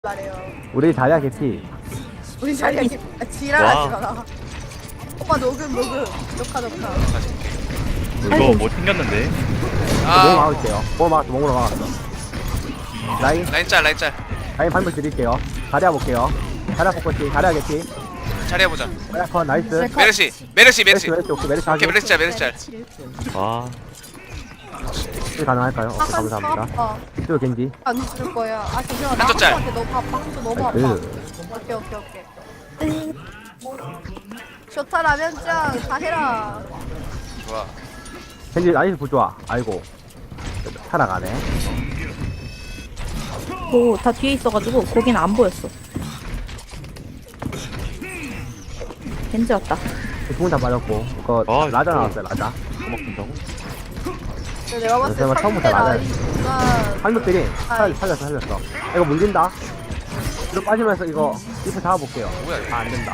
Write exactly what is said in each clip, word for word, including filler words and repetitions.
말해요. 우리 자리야 개피. 우리 자리야 개- 아, 지랄하지 마라. 오빠 녹음 녹음 녹화 녹화. 이거 뭐 튕겼는데? 몸 아 막을게요. 몸 막았어. 몸으로 막았어. 라인 라인 짤 라인 짤 라인 반면 드릴게요. 자리야 볼게요. 자리야 포커싱. 자리야 개피. 잘해보자. 자리야 컷 나이스. 네, 메르시 메르시 메르시 메르시 메르시 오케이 메르시 오케이 하기. 메르시 짤 메르시 짤 아, 힐 가능할까요? 오케이 아까 감사합니다. 어, 또 겐지. 안 줄 거야. 아 잠시만 나 한쪽 짤. 한쪽한테 너무 아파. 한쪽 너무 아파. 나이스. 오케이 오케이 오케이. 좋다 라면짱 다 해라. 좋아. 겐지 나이스 부좋아. 아이고. 살아가네. 뭐 다 뒤에 있어가지고 거기는 안 보였어. 겐지 왔다. 두분 다 빠졌고. 그거 아, 라자 이거. 나왔어요. 라자. 뭐 먹힌다고? 근데 내가 봤을 때 설마 처음부터 상대 맞아요? 라인가 한국들이 아이. 살, 살렸어 살렸어. 이거 물린다. 이거 빠지면서 이거 리프 잡아볼게요. 뭐야, 이거. 아, 안 된다.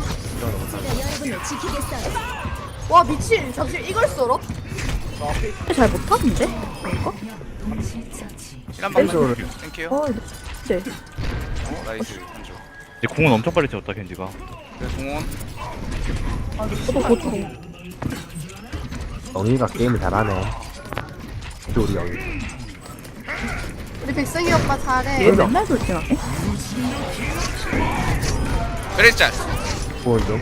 와 미친 잠시 이걸 썰어? 잘 못하는데? 이거? 힐한 방만 왼쪽으로. 땡큐. 어, 네. 어, 나이스 한조. 이제 공은 엄청 빨리 채웠다 겐지가. 그래 동원. 저도 고추. 영희가 게임을 잘하네. 또 우리 영희. 우리 백승이 오빠 얘 잘해. 맨날 돌진하네? 메르시 짤. 보온 좀.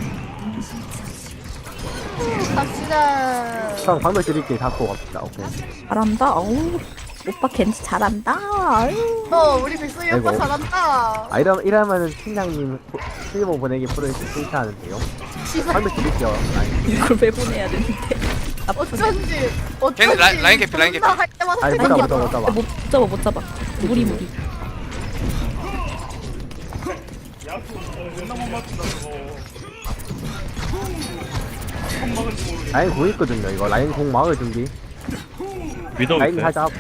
갑시다. 형 방금 드릴게 갖고 갑시다. 오케이. 잘한다. 어우, 오빠 겐지 잘한다. 아유. 어 우리 백승이 오빠 아이고. 잘한다. 아 이러 이러면은 팀장님 실버 보내기 프로에 칭찬하는데요. 씨발 방금 드릴게요. 아니, 이걸 왜 보내야 되는데? 어쩐지 어쩐지 걔는 라인- 라인 개피, 라인 개피. 존나 할 때마다 아니 못 생각나. 잡아 못 잡아 못 잡아. 못 잡아, 못 잡아. 무리, 무리. 라인 공 있거든요. 이거 라인 공 막을 준비. 위도우 라인 있어요? 살짝.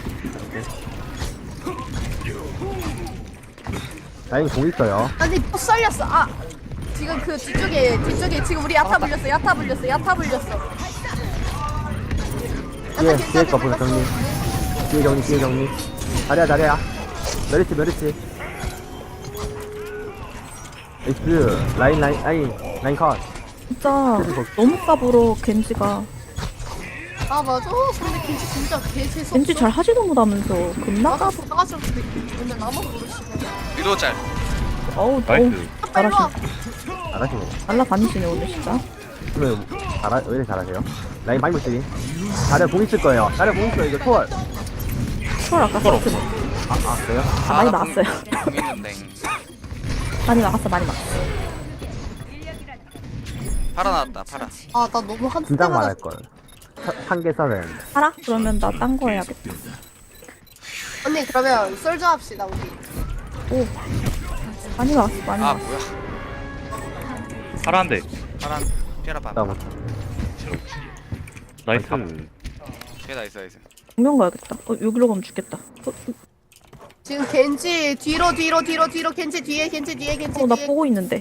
라인 공 있어요. 아니 또 썰렸어. 아 지금 그 뒤쪽에 뒤쪽에 지금 우리 야타 불렸어. 야타 불렸어. 야타 불렸어. 뒤에 뒤에 거 보자 정리. 뒤에 정리 뒤에 정리. 잘해야 잘해야. 메리치 메리치. 에이스 라인 라인 라인 라인 컷. 진짜 너무 까불어, 겐지가. 아 맞아. 근데 겐지 진짜 개 재수. 겐지 잘 하지도 못하면서 겁나 나가 까불어. 나가서 근데 나만 모르시네. 위도 짤. 어우, 어우. 나이스. 아빠 일로 와. 잘하시네. 날라다니시네, 오늘 진짜. 그러면 잘하 왜 이렇게 잘하세요? 라인 많이 못쓰니? 잘해 공 있을 거예요. 잘해 공 있어요. 이거 초월. 초월 아까 초월 썼지. 아, 아 그래요? 아, 많이 나 나왔어요. 공- 공 있는데. 많이 나갔어, 많이 나갔어. 팔아 나왔다 팔아. 아 나 너무 한 긴장 때마다 말할 걸. 한개 써야 되는데. 알아? 그러면 나 딴 거 해야겠다. 언니 그러면 썰저 합시다 우리. 오. 많이 나왔어, 많이 아 나왔어. 뭐야? 파란데. 파란 피아라 봐. 다음. 나이스. 피아 나이스 나이스. 정면 가야겠다. 어, 여기로 가면 죽겠다. 어, 지금 겐지 뒤로 뒤로 뒤로 뒤로 겐지 뒤에 겐지 뒤에 겐지 어, 나 뒤에. 보고 있는데.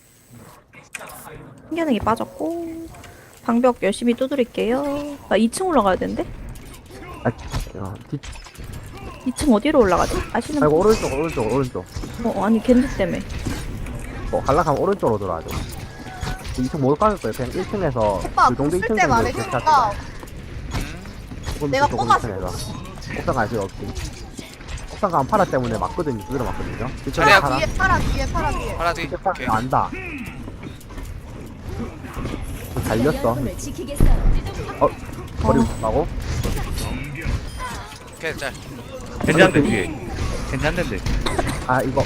신기하게 빠졌고. 방벽 열심히 두드릴게요. 나 이 층 올라가야 되는데? 아, 어, 뒤, 이 층 어디로 올라가지? 아시는 아이고 분? 오른쪽 오른쪽 오른쪽. 어, 아니, 겐지 때문에. 어, 갈라가면 오른쪽으로 돌아야죠. 이 층 못 가는 거예요. 그냥 일 층에서 오빠 그 정도 이 층 쓸때 정도 말해주니까 내가 뽑았어. 일 층에서. 옥상 갈 필요 없지. 옥상 가면 파라 때문에 맞거든요. 두드려 맞거든요. 자리야, 파라 뒤에 파라 뒤에 파라 뒤에. 파라 뒤. 이렇게 오케이. 파라 안다. 달렸어. 어, 머리 가고. 오케이 짤. 겐지 한 대 뒤에. 겐지 한 대인데. 아 이거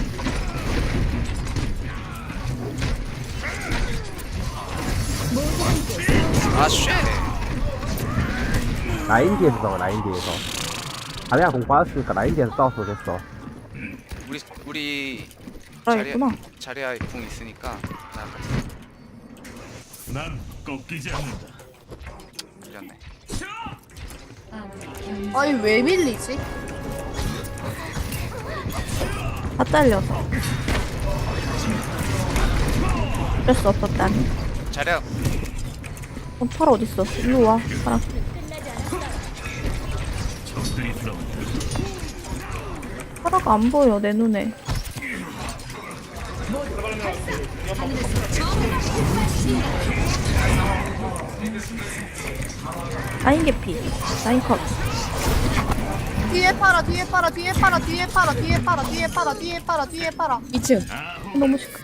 아 쉣. 라인 뒤에서 싸워. 라인 뒤에서. 자리야 공 빠졌으니까 라인 뒤에서 싸웠어 됐어. 우리 우리 알아야겠구나. 자리야 궁 있으니까 자 같이 난 꺾이지 않는다. 밀렸네. 아니 왜 밀리지? 다 잘려서. 어쩔 수 없었다. 자리야 어, 파라 어딨어? 일로 와, 파라. 적들이 들어온다. 파라가 안 보여, 내 눈에. 라인 개피. 라인 컷. 뒤에 팔아 뒤에 팔아 뒤에 팔아 뒤에 팔아 뒤에 팔아 뒤에 팔아 뒤에 팔아 뒤에 팔아. 이 층. 너무 시끄.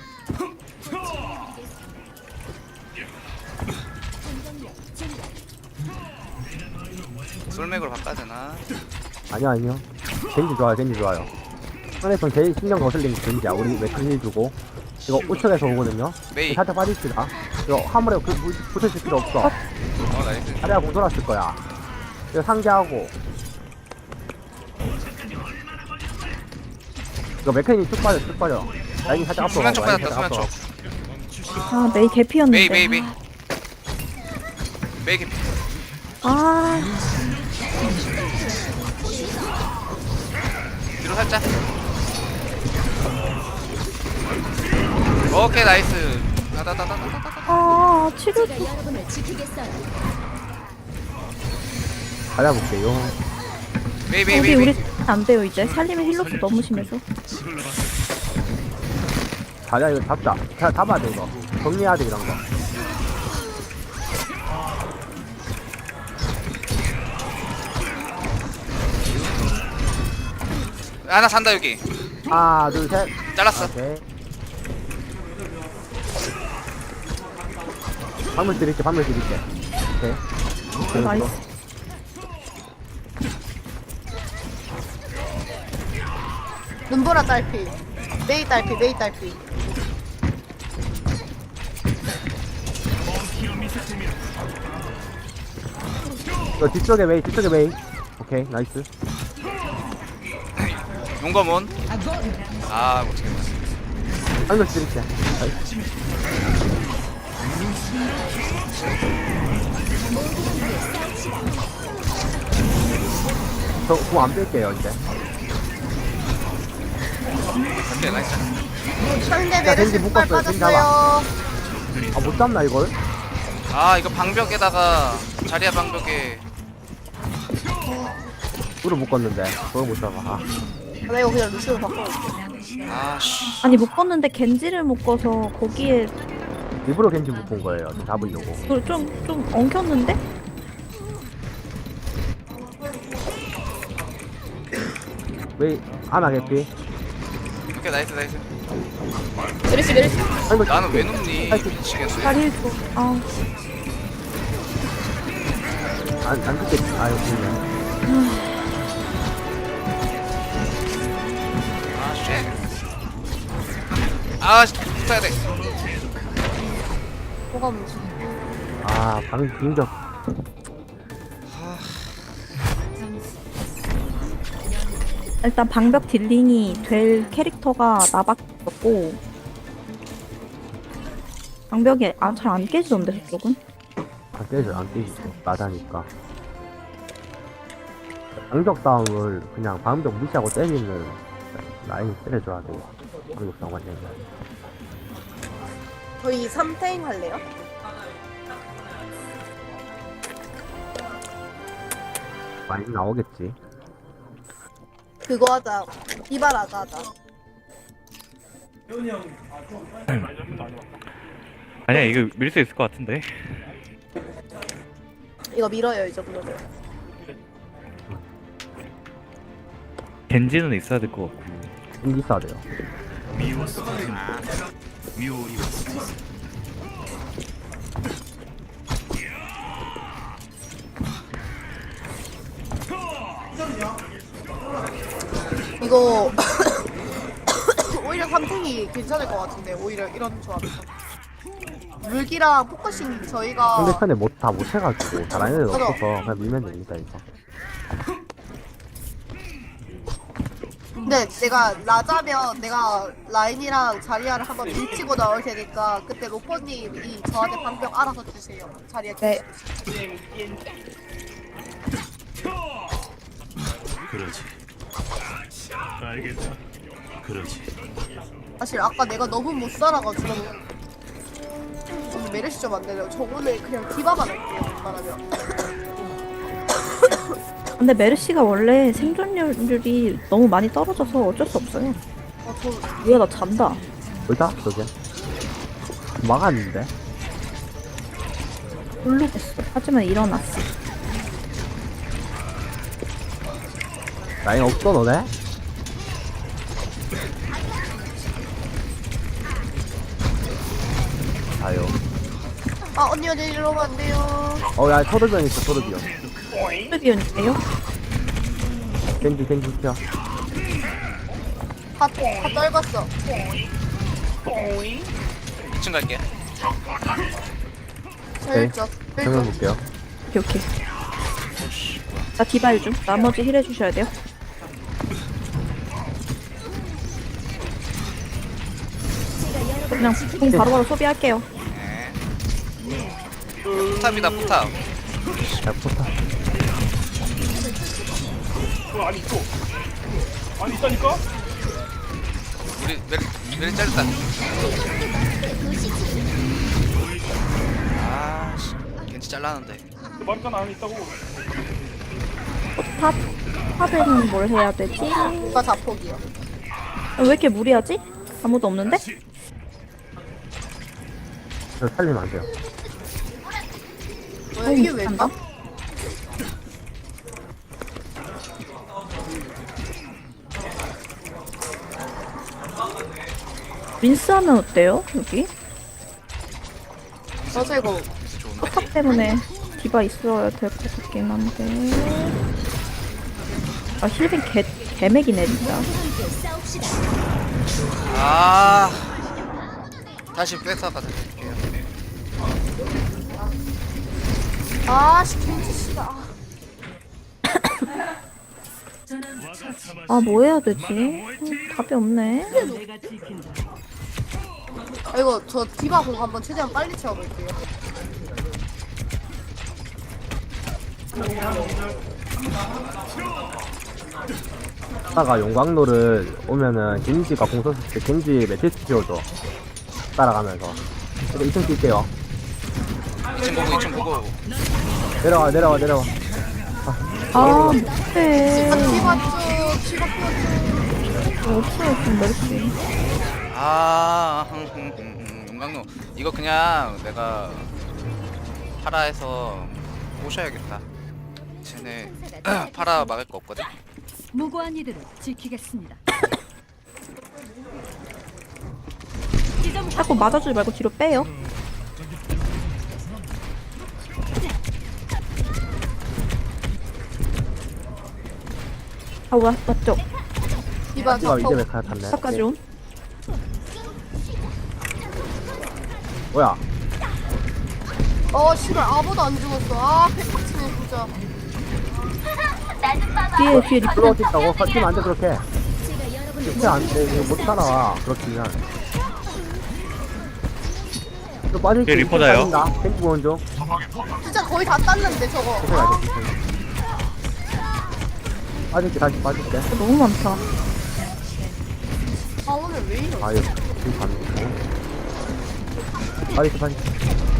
솔맥으로 바꿔야 되나? 아니요 아니요 겐지 좋아요 겐지 좋아요 상대편 제일 신경 거슬리는 게 겐지야. 우리 맥크릴 주고 이거 우측에서 오거든요. 메이. 살짝 빠집시다. 이거 화물에 그, 부- 붙으실 필요 없어. 어 나이스. 자리가 공 돌았을 거야. 이거 상기하고 이거 맥크린이 쭉 빠져 쭉 빠져. 라인이 살짝 앞으로 수면 쪽 가고, 라인이 받았다. 살짝 수면 앞으로. 쪽. 아 메이 개피였는데. 메이 메이 메이. 메이 개피. 아 뒤로 살짝. 오케이 나이스. 다다다다다다. 아 치료. 가려볼게요. 메이 메이 우리 메이. 우리 메이. 안 돼요 이제. 살림의 힐로스 너무 심해서. 자리야 이거 잡자. 자, 잡아야 돼 이거. 정리해야 돼 이런 거. 하나 산다 여기. 하나 둘 셋. 잘랐어. 오케이. 방물 드릴게 방물 드릴게. 오케이. 나이스. 눈보라 딸피. 메이 딸피 메이 딸피. 이거 뒤쪽에 메이 뒤쪽에 메이. 오케이 나이스. 용검은. 아 못치겠다. 방물 드릴게. 나이스. 저공안 뺄게요 이제. 오케이 나이스. 상대 야, 메르시 겐지 폭발 묶었어요. 겐지 빠졌어요. 아 못 잡나 이걸? 아 이거 방벽에다가 자리야 방벽에. 우를 묶었는데 그걸 못 잡아. 아. 나 이거 그냥 루시로 바꿔. 아씨. 아니 묶었는데 겐지를 묶어서 거기에 일부러 겐지 묶은 거예요. 좀 잡으려고. 좀좀 좀 엉켰는데? 왜 하나 개피? 오케이 나이스 나이스. 메르시 메르시. 아이고, 나는 왜 눕니? 아이고. 미치겠어. 다리를 줘. 아 안, 안 죽겠지. 아유, 그냥. 아 쉣. 아 붙어야 돼. 뭐가 문제? 아, 방, 빙적. 일단 방벽 딜링이 될 캐릭터가 나밖에 없고 방벽이 아, 잘 안 깨지던데 저쪽은? 안 깨져, 안 깨지죠. 나다니까. 방적 싸움을 그냥 방벽 무시하고 때리는 라인 때려줘야 돼요. 방적 싸움 하려면. 저희 삼 태인 할래요? 많이 나오겠지. 그거 하자. 이발하자 하자. 아니야 이거 밀 수 있을 것 같은데. 이거 밀어요 이 정도면. 겐지는 있어야 될 것 같고. 좀 있어야 돼요. 미워서 미워리워서 이거 오히려 삼 태이 괜찮을 것 같은데 오히려 이런 조합에서. 물기랑 포커싱 저희가 상대편에 못, 다 못해가지고, 잘하는 애들 맞아. 없어서 그냥 밀면 됩니다, 이거. 근데 내가 라자면 내가 라인이랑 자리아를 한번 밀치고 나올 테니까 그때 로퍼님이 저한테 방벽 알아서 주세요. 자리아 네. 그러지. 알겠다. 그러지. 사실 아까 내가 너무 못 살아가지고 오늘 메르시 좀 안 되네요. 저 오늘 그냥 디바만 할게요. 웬만하면. 근데 메르시가 원래 생존율이 너무 많이 떨어져서 어쩔 수 없어요. 어, 저 뭐야 나 잔다. 뭐다 저게? 막았는데? 모르겠어. 하지만 일어났어. 라인 없어 너네? 아유. 아 언니 언니 이러면 안 돼요. 어야 토르비언 있어 토르비언. 스비언이에요? 겐지 겐지 튀어. 다, 다 떨궜어. 이 층 갈게. 슬쩍 정면 슬쩍. 볼게요. 오케이, 오케이. 나 디바일 좀. 나머지 힐 해주셔야 돼요. 그냥 공 바로바로 소비할게요. 네. 포탑이다 포탑. 야 포타. 우리 메리 메리 잘렸다. 아씨 겐지 잘라는데. 탑, 탑에는 뭘 해야 되지? 누가 자폭이요. 왜 이렇게 무리하지? 아무도 없는데? 저 살리면 안 돼요. 왜 이게 왜 한다? 까? 린스 하면 어때요? 여기? 맞아 이거. 그래서 좋은데. 포탑 때문에 디바 있어야 될 것 같긴 한데. 아, 힐빈 개, 개맥이네, 진짜. 아 다시 뺏어 가자. 드릴게요. 아씨 김치 씨가. 아, 뭐 해야 되지? 음, 답이 없네. 아 이거 저 디바 공 한번 최대한 빨리 채워볼게요. 하다가 용광로를 오면은 겐지가 공 썼을 때 겐지 매트리스 지워줘. 따라가면서. 근데 이 층 뛸게요. 이 층 보고 이 층 보고. 내려와 내려와 내려와. 아, 못해. 아 디바 쭉 디바 쭉. 없어요, 좀 멸치. 아 흠흠흠 용광로 이거 그냥 내가 파라에서 꼬셔야겠다. 쟤네 파라 막을 거 없거든. 무고한 이들을 지키겠습니다. 자꾸 맞아주지 말고 뒤로 빼요. 아, 와, 맞죠? 디바 디바 이제 자폭. 메카 탔네. 탑까지 온. 뭐야? 어 씨발 아무도 안 죽었어. 아 패박치네 진짜. 뒤에, 뒤에 리플. 들어올 수 있다고? 설치면 안 돼 그렇게. 그렇게 안 돼. 이거 못 살아와. 그렇지만. 또 빠질 수 얘 리포다요. 빠진다. 탱크 보는 중. 진짜 거의 다 땄는데 저거. 계속 가야 돼. 빠질게 다시 빠질게. 너무 많다. 아 오늘 왜 이래? 아유 지금 가는 빠질게 빠질게.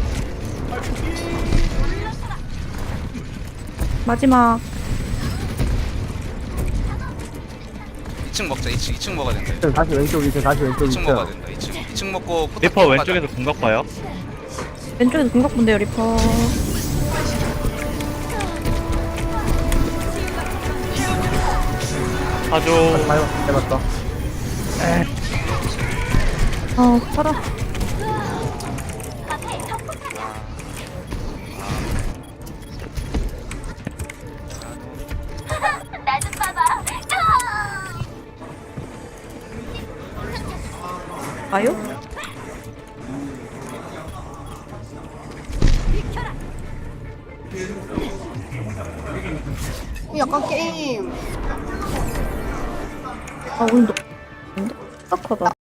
마지막. 이 층 먹자. 이 층 이 층 먹어야 된다. 지금 다시 왼쪽 이층 다시 왼쪽 이 층 먹어야 이층. 된다. 이 층 이 층 먹고 포탑 리퍼 가자. 왼쪽에서 공각 봐요. 왼쪽에도 공각 본대요, 리퍼. 사줘. 봐요. 해봤어. 아, 팔아. 아요? 약간 게임. 아, 오늘 너, 딱하다.